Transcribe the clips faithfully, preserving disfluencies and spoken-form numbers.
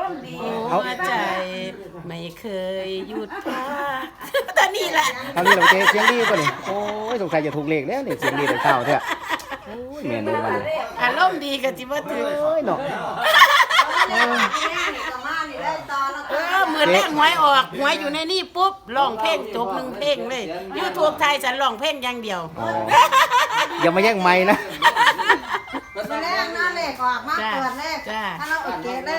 มณ์ดีหัวใจไม่เคยหยุดพักตอนนี้แหละตอนนี้เราเจ๊เสียงดีป่ะนี่โอ้ยสงสัยจะถูกเลขแล้วนี่เสียงดีแต่ข้าวเถอะโอ้ยแม่นูมาเลยอารมณ์ดีก็สิบ่ถือโอ้ยเนาะเออเหมือนแรกหวยออกหวยอยู่ในนี่ปุ๊บร้องเพลงจบหนึ่งเพลงเลย YouTube ไทยฉันร้องเพลงอย่างเดียวอ๋ออย่ามาแย่งไม้นะมาแรกหน้าเลขออกมาเปิดเลขถ้าเราโอเคเลย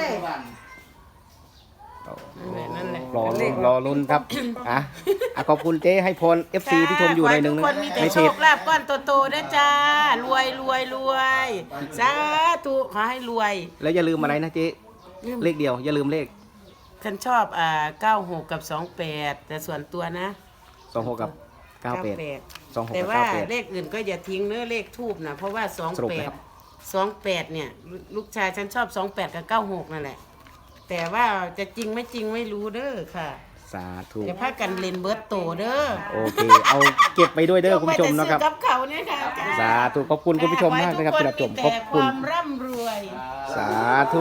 นั่นแหละรอลุ้นรอลุ้นครับอ่ะอ่ะขอบคุณเจ๊ให้พร เอฟ ซี ที่ชมอยู่ในอยหนึ่งทุกคนมีแต่ในโชเพจคลาภก้อนโตๆนะจ้ารวยรวยรวยสาธุขอให้รวยแล้วอย่าลืมอะไรนะเจ๊เลขเดียวอย่าลืมเลขฉันชอบอ่าเก้าหกกับสองแปดแต่ส่วนตัวนะสองหกกับเก้าแปด สองหกแต่กับว่าเก้าแปดเลขอื่นก็อย่าทิ้งเนื้อเลขทูบนะเพราะว่าสองสรุปแปนะดครับสองแปดเนี่ยลูกชายฉันชอบสองแปดกับเก้าหกนั่นแหละแต่ว่าจะจริงไม่จริงไม่รู้เด้อค่ะสาธุอย่าพากันเล่นเบิร์ตโตเด้อโอเคเอาเก็บไปด้วยเด้อคุณผู้ชมนะครับจไปแต่ซื้อกับเขาเนี่ยค่ะสาธุขอบคุณคุณผู้ชมมากนะครับที่รับชมขอบขคุอณให้ทุกคนมีแต่ความร่ำรวยสาธุ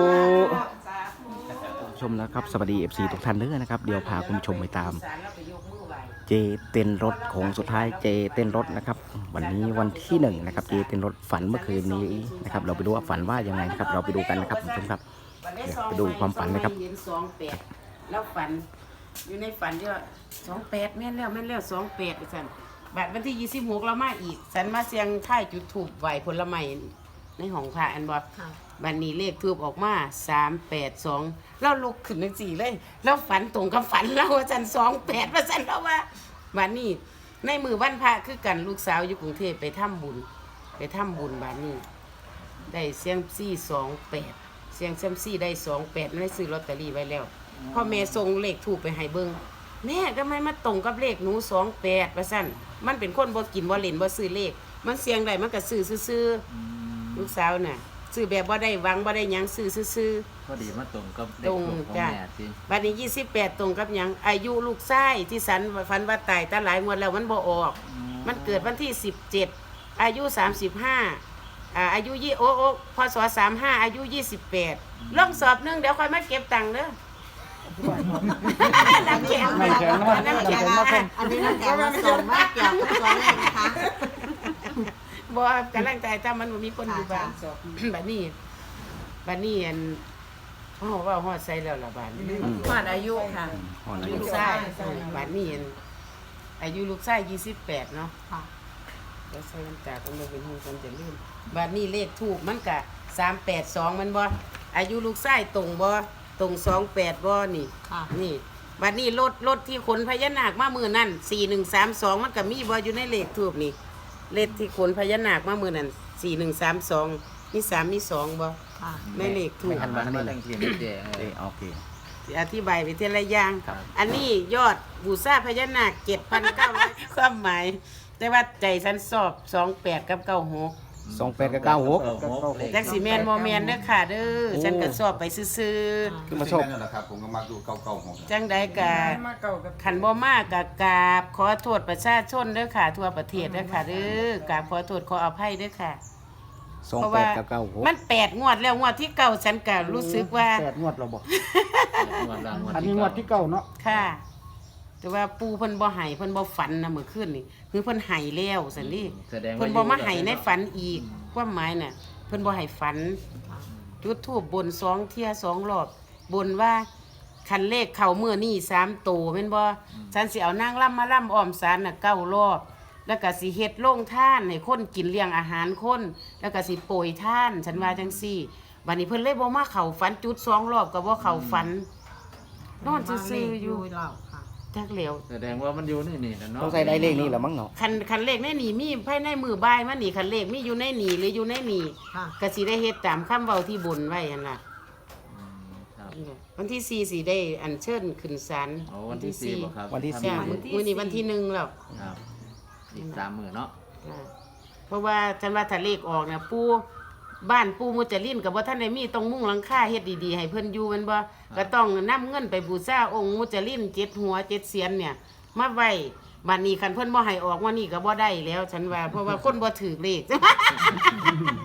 ชมนะครับสวัสดี เอฟ ซี ทุกท่านเด้อนะครับเดี๋ยวพาคุณผู้ชมไปตาม เจเต้นรถของสุดท้ายเจเต้นรถนะครับวันนี้วันที่หนึ่งนะครับเจเต้นรถฝันเมื่อคืนนี้นะครับเราไปดูว่าฝันว่ายังไงนะครับเราไปดูกันนะครับคุณผู้ชมครับเดี๋ยวไปดูความฝันนะครับเห็นสองแปดแล้วฝันอยู่ในฝันที่ว่าสองแปดแม่นแล้วแม่นแล้วสองแปดสันบัดวันที่ยี่สิบหกเรามาอีกสันมาเสียงท่ายจุดถูกไหวผลไม้ในห้องพระอันบอกบัดนี้เลขทูบออกมาสามแปดสองเราลุกขึ้นทั้งสี่เลยแล้วฝันตรงกับฝันเราว่าสันสองแปดว่าสันเราว่าบัดนี้ในมือวันพระคือกันลูกสาวอยู่กรุงเทพไปทำบุญไปทำบุญบัดนี้ ได้เสียงซี่สองแปดเสียงเซยมซี่ได้สองแปดไม่ซื้อลอตเตอรี่ไว้แล้วพ่อแม่ส่งเลขถูกไปให้เบิ้งแม่ทำไมมาตรงกับเลขหนูสองแปดว่าสั้นมันเป็นคนบ่กินบ่เล่นบ่ซื้อเลขมันเสียงได้มันก็ซื้อซื่อๆลูกสาวน่ะซื้อแบบบ่ได้หวังบ่ได้หยังซื้อซื่อพอดีมาตรงกับๆเด็ตกรงของจ้ะแม่สิบัดนี้ยี่สิบแปดตรงกับหยังอายุลูกชายที่สันฝันว่าตายตาหลายงวดแล้วมันบ่ออก มันเกิดวันที่สิบเจ็ดอายุสามสิบห้าอ่าอายุยี่โอ้โอ้พศสามห้าอายุยี่สิบแปดลองสอบหนึงเดี๋ยวค่อยมาเก็บตังค์เด้อน้ำแข็งน้ำแข็งมาน้ำแข็งมาอันนี้น้ำแข็งมาส่งมาเกี่ยวกับตัวเลขนะคะบ่กำลังใจถ้ามันบ่มีคนอยู่บ้านสอบบัดนี้บัดนี้อันเขาบอกว่าฮอดใส่แล้วล่ะบาดนี้ผ่านอายุค่ะอ๋อนะลูกชายบาดนี้อันอายุลูกชายยี่สิบแปดเนาะค่ะแล้วใส่น้ำตาก็เลยเป็นหูกันจะลืมบาดนี้เลขถูกมันกะสามแปดสองมันบ่อายุลูกชายตรงบ่ตรงสองแปดบ่นี่ค่ะนี่บาดนี้รถรถที่ขนพญานาคมามือนั่นสี่หนึ่งสามสองมันก็มีบ่อยู่ในเลขถูกนี่เลขที่ขนพญานาคมามือนั่นสี่หนึ่งสามสองมีสามมีสองบ่ค่ะในเลขถูกหันมามาตั้งทีนี่เจ๊เอ้ยโอเคอธิบายไปทีละอย่างอันนี้ยอดบูชาพญานาคเจ็ดพันเก้าร้อยความหมาย แต่ว่าใจฉันสอบสองแปดกับเก้าหกสองแปดกับเก้าหกจักสีแมนโมแมนเด้อค่ะเด้อฉันก็สอบไปซื่อคือมาชอบนั่นแหละครับผมก็มักดูเก่าๆของๆจังใดกะขันบ่มากกะกราบขอโทษประชาชนเด้อค่ะ ทั่วประเทศเด้อค่ะเด้อกราบขอโทษขออภัยเด้อค่ะสองเพราะแปว่าดกับเก้าหกมันแปดงวดแล้วงวดที่เก้าฉันก็รู้สึกว่าแปดงวดเราบอกงวดละงวดอันนี้งวดที่เก้าเนาะค่ะ แต่ว่าปูเพิ่นบ่ให้เพิ่นบ่ฝันนะเมื่อคืนนี่คือเพิ่นให้แล้วซั่นนี่แสดงว่าเพิ่นบ่มาให้ในฝันอีกความหมายน่ะเพิ่นบ่ให้ฝันจุดธูปบนสองเที่ยสองรอบบนว่าคันเลขเข้ามื้อนี้สามโตแม่นบ่ฉันสิเอานางล่ำมาล่ำอ้อมศาลน่ะเก้ารอบ แล้วก็สิเฮ็ดโรงทานให้คนกินเลี้ยงอาหารคนแล้วก็สิโปรยทานฉันว่าจังซี่บัดนี้เพิ่นเลยบ่มาเข้าฝันจุดสองรอบก็บ่เข้าฝันนอนซื่อๆอยู่เราค่ะจักเหลวแสดงว่ามันอยู่ในนี่นะเนาะต้องใส่ได้เลขนี้แหละมั้งเนาะคันคันเลขในหนีมีภายในมือบ่ายมันนี่คันเลขมีอยู่ในหนีหรืออยู่ในหนีค่ะก็สิได้เฮ็ดตามคำเว้าที่บนไว้หั่นล่ะอืมครับวันที่สี่สิได้อัญเชิญขึ้นศาลโอ้วันที่สี่บ่ครับวันที่สี่จ้ะมื้อนี้วันที่หนึ่งแล้วครับอีกสามหมื่นเนาะอ่าเพราะว่าฉันว่าถ้าเลขออกน่ะปู่บ้านปู่มุจลินก็บ่ทันได้มีต้องมุ่งหลังคาเฮ็ดดีๆให้เพิ่นอยู่แมันบ่ก็ต้องนำเงินไปบูชาองค์มุจลินเจ็ดหัวเจ็ดเสียนเนี่ยมาไว้บัดนี้คันเพิ่นบ่ให้ออกว่านี่ก็บ่ได้แล้ว ฉันว่าเพราะว่าคนบ่ถือเลขครับ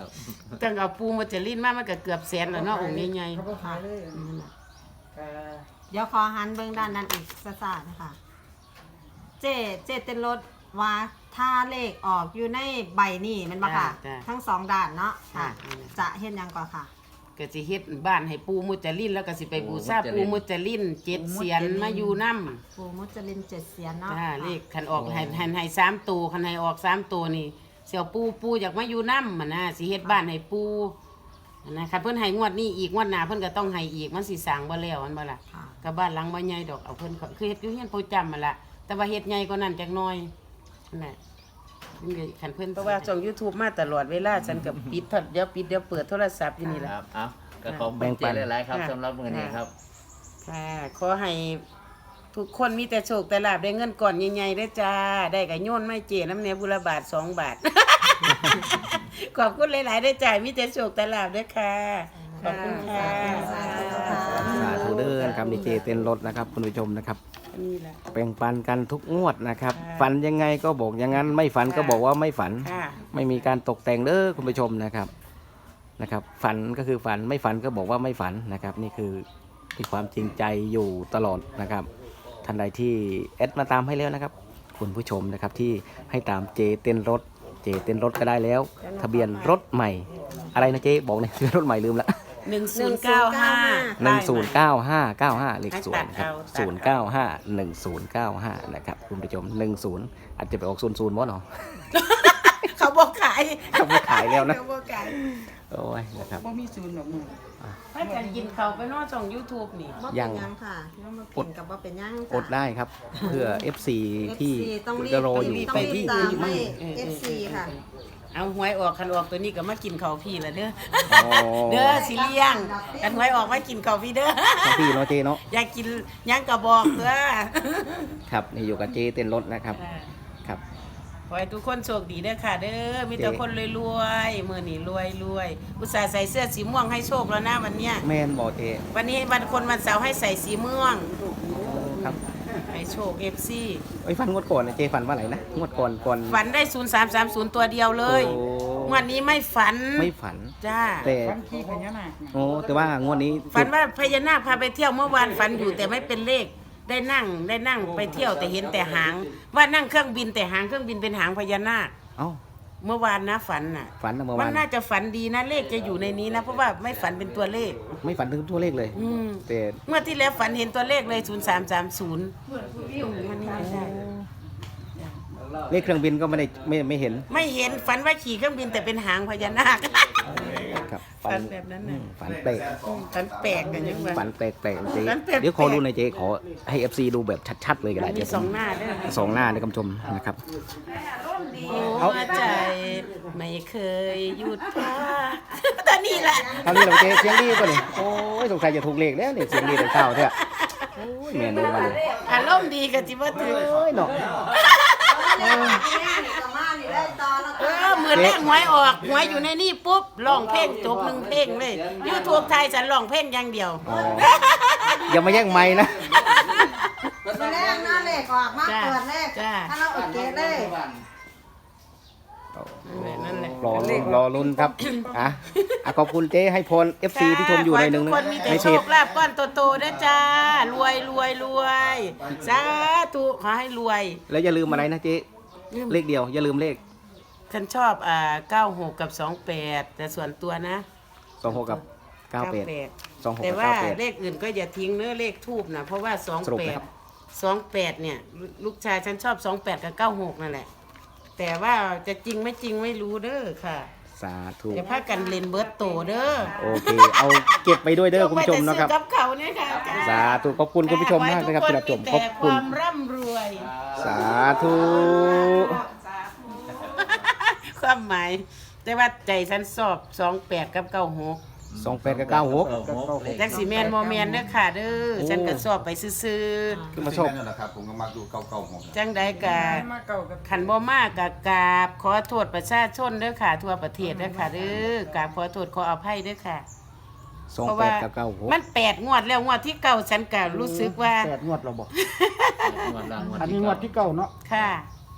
ครับตั้งเอาปูมาจะลิ้นมามันก็เกือบแสนแล้วเนาะองค์ใหญ่เขาบอกขายเลยๆนั่นน่ะเดี๋ยวขอหันเบื้องด้านนั้นอีกสักๆนะคะเจเจเต้นรถว่าถ้าเลขออกอยู่ในใบนี่แมันบ่ค่ะ ทั้งสองด้านเนาะค่ะ จะเห็นยังก่อนค่ะก็สิเฮ็ดบ้านให้ปูมุจลินแล้วก็สิไปบูชาปูมุจลินเจ็ดเสียนมาอยู่นำปูมุจลินเจ็ดเสียนเนาะจ้าเลขคันออกให้ให้ให้สามตัวคันให้ออกสามตัวนี่เสี่ยวปูปูอยากมาอยู่นำมันนะสิเฮ็ดบ้านให้ปูนะคันเพิ่นให้งวดนี้อีกงวดหน้าเพิ่นก็ต้องให้อีกมันสิสร้างบ่แล้วมันบ่ล่ะค่ะก็บ้านหลังบ่ใหญ่ดอกเอาเพิ่นก็คือเฮ็ดอยู่เฮียนโปรจำมันล่ะแต่ว่าเฮ็ดใหญ่กว่านั้นจักหน่อยนั่นแหละคันเพิ่นเพราะว่าช่อง YouTube มาตลอดเวลาฉันก็ปิดเถอดเดี๋ยวปิดเดี๋ยวเปิดโทรศัพท์อยู่นี่คล่ะรับเอาก็ขอบคุณเจหลายๆครับสำหรับมื้อนี้ครับค่ะขอให้ทุกคนมีแต่โชคแต่ลาบได้เงินก่อนใหญ่ๆได้อจ้า ได้กับโยนไม่เจน้ำเนียบุรบาทสองบาท ขอบคุณหลายๆได้อจ่ายมีแต่โชคแต่ลาบด้วยค่ะ ขอบคุณค่ะสาธุค่ะสาธุเด้อนะครับดีเจเต้นรถนะครับคุณผู้ชมนะครับอันนี้แหละแบ่งปันกันทุกงวดนะครับค่ะฝันยังไงก็บอกอย่างนั้นไม่ฝันก็บอกว่าไม่ฝันค่ะไม่มีการตกแต่งเด้อคุณผู้ชมนะครับนะครับ ฝันก็คือฝันไม่ฝันก็บอกว่าไม่ฝันนะครับ นี่คือมีความจริงใจอยู่ตลอดนะครับท่านใดที่แอดมาตามให้แล้วนะครับ คุณผู้ชมนะครับที่ให้ตามเจเต้นรถเจเต้นรถก็ได้แล้ว ทะเบียนรถใหม่ อะไรนะเจบอกในอยทะเบียนรถใหม่ลืมละหนึ่งศูนย์เก้าห้าหนึ่งศูนย์เก้าห้าเก้าห้าเลขสวนครับตัศูดนย์เอาเก้าห้าหนึ่งศูนย์เก้าห้านะครับคุณผู้ชมหนึ่งศูนย์อาจจะไปออกศูนย์ศูนย์มั้งเนาะเขาบอกขายเขาไม่ขายแล้วนะเขาบอกขายโอ้ยนะครับบ่มีศูนย์หรอกมึงถ้าจะกินเขาวไปนอกช่อง YouTube นี่บ่ยัเป็นงยังค่ะยังมากินกับว่าเป็นยังจ้ะอดได้ครับ เพื่อ เอฟ ซี ที่เอฟซีต้องรีบจะรออยู่ต้องรีบตามให้เออเอฟซี ค่ะเอาหวยออกคันออกตัวนี้ก็มากินเขาวพี่ละเด้ออ๋อเด้อสิเลี้ยงกันหวยออกมากินเขาวพี่เด้อของพี่เนาะเจเนาะอยากกินหยังก็บอกเด้อครับนี่อยู่กับเจเต้นรถนะครับครับขอให้ทุกคนโชคดีเด้อค่ะ เด้อมีแต่คนรวยๆมื้อนี้รวยรวยอุตส่าห์ใส่เสื้อสีม่วงให้โชคแล้วนะวันเนี้ยแมนบอกเจวันนี้วันคนวันเสาร์ให้ใส่สีม่วงครับให้โชค เอฟ ซีไอ้ยฟันงวดก่อนนะเจฟันว่าไหนนะงวดก่อนก่อนฝันได้ศูนย์สามสามศูนย์ตัวเดียวเลยโอ้งวันนี้ไม่ฝันไม่ฝันจ้าแต่โอ้แต่ว่างวดนี้ฝันว่าพญานาคพาไปเที่ยวเมื่อวานฝันอยู่แต่ไม่เป็นเลข ได้นั่งได้นั่งไปเที่ยวแต่เห็นแต่หาง ว่านั่งเครื่องบินแต่หางเครื่องบินเป็นหางพญานาคเอ้าเมื่อวานนะฝันน่ะฝันนะเมื่อมัวาน นน่าจะฝันดีนะเลขจะอยู่ในนี้นะเพราะว่าไม่ฝันเป็นตัวเลขไม่ฝันถึงตัวเลขเลยอืมแต่เมื่อที่แล้วฝันเห็นตัวเลขเลยศูนย์สามสามศูนย์มันนี่ไม่ใช่เลขเครื่องบินก็ไม่ได้ไม่ไม่เห็นไม่เห็นฝันว่าขี่เครื่องบินแต่เป็นหางพญานาคครับฝันแบบนั้นน่ะอืมฝันแปลกฝันแปลกกันยังไงฝันแปลกแปลกเจ๊ฝันแปลกๆเดี๋ยวขอดูหน่อยเจ๊ขอให้ เอฟ ซี ดูแบบชัดๆเลยก็ได้มีเดี๋ยวสผองมหน้าด้วยสองหน้าในคำชมนะครับหัวใจไม่เคยหยุดพัก ตอนนี้แหละคราวนี้เราเจ๊เสียงดีป่ะนี่โอ้ยสงสัยจะถูกเลขแล้วนี่เสียงดีแต่เช้าเถอะโอ้ยแม่นูมาเลยอารมณ์ดีกันจิบ่ถือโอ้ยเนาะเออมือแรกหวยออกหวยอยู่ในนี่ปุ๊บร้องเพลงจบหนึ่งเพลงเลยยูทูบไทยฉันร้องเพลงอย่างเดียวอ๋ออย่ามาแย่งไม้นะมาแรกหน้าเลขออกมาเปิดเลขจ้าถ้าเราโอเคเลยนั่นแหละรอลุ้นรอลุ้นครับอ่ะอ่ะขอบคุณเจ๊ให้พร เอฟ ซี ที่ชมอยู่ในอยหนึ่งขนะอให้ทุกคนมีแต่ในโชเพจคลาภก้อนโตๆนะจ้ารวยรวยรวยสาธุขอให้รวยแล้วอย่าลืมอะไรนะเจ๊เลขเดียวอย่าลืมเลขฉันชอบอ่าเก้าหกกับสองแปดแต่ส่วนตัวนะสองหกกับเก้าแปด สองหกแต่กับว่าเก้าแปดเลขอื่นก็อย่าทิ้งเนื้อเลขทูบนะเพราะว่าสองสรุปแปนะดครับสองแปดเนี่ย ลูกชายฉันชอบสองแปดกับเก้าหกนั่นแหละ แต่ว่าจะจริงไม่จริงไม่รู้เด้อค่ะสาธุอย่าพากันเล่นเบิร์ตโตเด้อโอเค เอาเก็บไปด้วยเด้อคุณผู้ชมนะครับจไปแต่ซื้อกับเขาเนี่ยค่ะสาธุขอบคุณคุณผู้ชมมากนะครับที่รับชมขอขให้อบทุกคนมีแต่คคุณวามร่ำรวยสาธุความหมาย แต่ว่าใจฉันสอบสองแปดกับเก้าหกสองแปดกับเก้าหกจักสีแมนโมแมนเด้อค่ะเด้อฉันก็สอบไปซื่อคือมาชอบนั่นแหละครับผมก็มักดูเก่าๆผมๆจังใดกะขันบ่มากกะกราบขอโทษประชาชนเด้อค่ะ ทั่วประเทศเด้อค่ะเด้อกราบขอโทษขออภัยเด้อค่ะสองเพราะแปว่าดกับเก้าหกมันแปดงวดแล้วงวดที่เก้าฉันก็รู้สึกว่าแปดงวดเราบอกงวดละงวดอันนี้ที่งวดที่เก้าเนาะค่ะ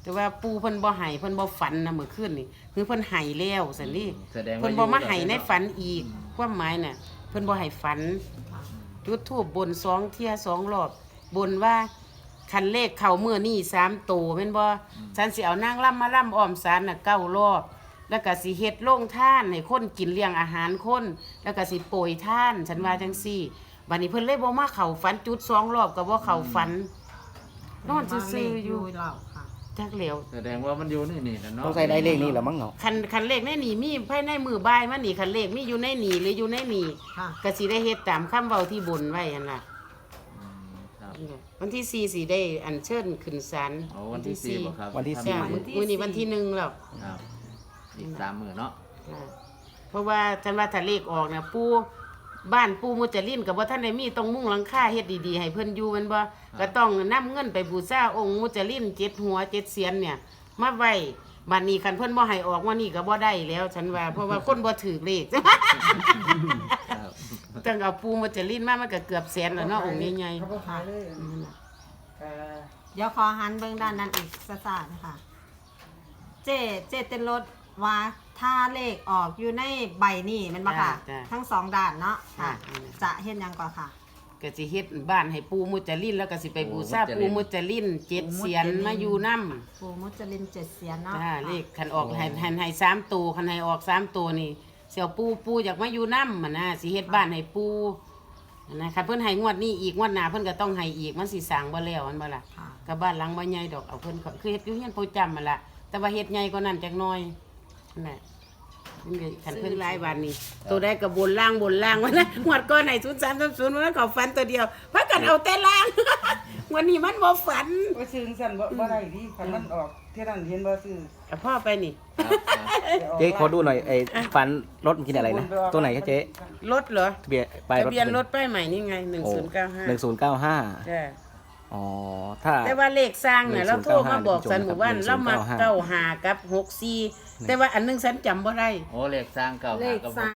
แต่ว่าปูเพิ่นบ่ให้เพิ่นบ่ฝันนะเมื่อคืนนี่คือเพิ่นให้แล้วซั่นนี่แสดงว่าเพิ่นบ่มาให้ในฝันอีกความหมายน่ะเพิ่นบ่ให้ฝันจุดธูปบนสองเที่ยสองรอบบนว่าคันเลขเข้ามื้อนี้สามโตแม่นบ่ฉันสิเอานางล่ำมาล่ำอ้อมศาลน่ะเก้ารอบแล้วก็สิเฮ็ดโรงทานให้คนกินเลี้ยงอาหารคนแล้วก็สิโปรยทานฉันว่าจังซี่บัดนี้เพิ่นเลยบ่มาเข้าฝันจุดสองรอบก็บ่เข้าฝันนอนซื่อๆอยู่เราค่ะจักแล้วแสดงว่ามันอยู่นี่นี่นะเนาะต้องใส่ได้เลขนี้แหละมั้งเนาะคันคันเลขในนี่มีภายในมือบ่ายมันนี่คันเลขมีอยู่ในนี่หรืออยู่ในนี่ค่ะก็สิได้เฮ็ดตามคำเว้าที่บนไว้หั่นล่ะอืมครับวันที่สี่สิได้อัญเชิญขึ้นศาลโอ้วันที่สี่บ่ครับวันที่สี่จ้ะมื้อนี้วันที่หนึ่งแล้วครับอีกสามมื้อเนาะจ้ะเพราะว่าฉันว่าถ้าเลขออกน่ะปู่บ้านปู่มุจลินก็บ่ทันได้มีต้องมุ่งหลังคาเฮ็ดดีๆให้เพิ่นอยู่แม่นบ่ก็ต้องนำเงินไปบูชาองค์มุจลินเจ็ดหัวเจ็ดเสียนเนี่ยมาไว้บัดนี้คันเพิ่นบ่ให้ออกวันนี้ก็บ่ได้แล้ว ฉันว่าเพราะว่าคนบ่ถือเลขครับต้องเอาปูมุจลินมามันก็เกือบแสนแล้วเนาะองค์ใหญ่เขาบ่ขายเลยๆนั่นน่ะก็เดี๋ยวขอหันเบื้องด้านนั้นอีกซะซ่านะคะเจเจเต้นรถว่าถ้าเลขออกอยู่ในใบนี่แมันบ่ค่ะ ทั้งสองด้านเนาะค่ะ จะเห็นยังก่อนค่ะก็สิเฮ็ดบ้านให้ปูมุจลินแล้วก็สิไปบูชาปูมุจลินเจ็ดเสียนมาอยู่นำปูมุจลินเจ็ดเสียนเนาะจ้าเลขคันออกให้ให้ให้สามตัวคันให้ออกสามตัวนี่เสี่ยวปูปูอยากมาอยู่นำมันนะสิเฮ็ดบ้านให้ปูนะคันเพิ่นให้งวดนี้อีกงวดหน้าเพิ่นก็ต้องให้อีกมันสิสร้างบ่แล้วมันบ่ล่ะค่ะก็บ้านหลังบ่ใหญ่ดอกเอาเพิ่นก็คือเฮ็ดอยู่เฮียนประจำมันล่ะแต่ว่าเฮ็ดใหญ่กว่านั้นจักหน่อยนั่นแหละมันก็คันเพิ่นหลายวันนี่ตัวใดก็บนล่างบนล่างว่านะงวดก่อนให้ศูนย์สามสามศูนย์มันเขาฝันตัวเดียวพากันเอาแต่ล่าง วันนี้มันบ่ฝันว่าซื้อสั่นบ่บ่ได้ดิคันมันออกเท่านั้นเห็นบ่ซื้อเอาพ่อไปนี่ครับครับเจ๊ขอดูหน่อยไอ้ฟันรถมันกินอะไรนะตัวไหนครับเจ๊รถเหรอทะเบียนป้ายรถทะเบียนรถป้ายใหม่นี่ไงหนึ่งโอ้ศูนย์เก้าห้าหนึ่งศูนย์เก้าห้าจ้ะอ๋อถ้าแต่ว่าเลขสร้างเนี่ยหนึ่เรางศูโทนย์รเก้าห้ามาบอกสันหมู่บ้านหนึ่งศูเรานย์มาเก้าห้าเก้าหากับหกสี่แต่ว่าอันหนึงสันจำบ่ได้โอ้เลขสร้างเก่าเลหาขกับสร้าง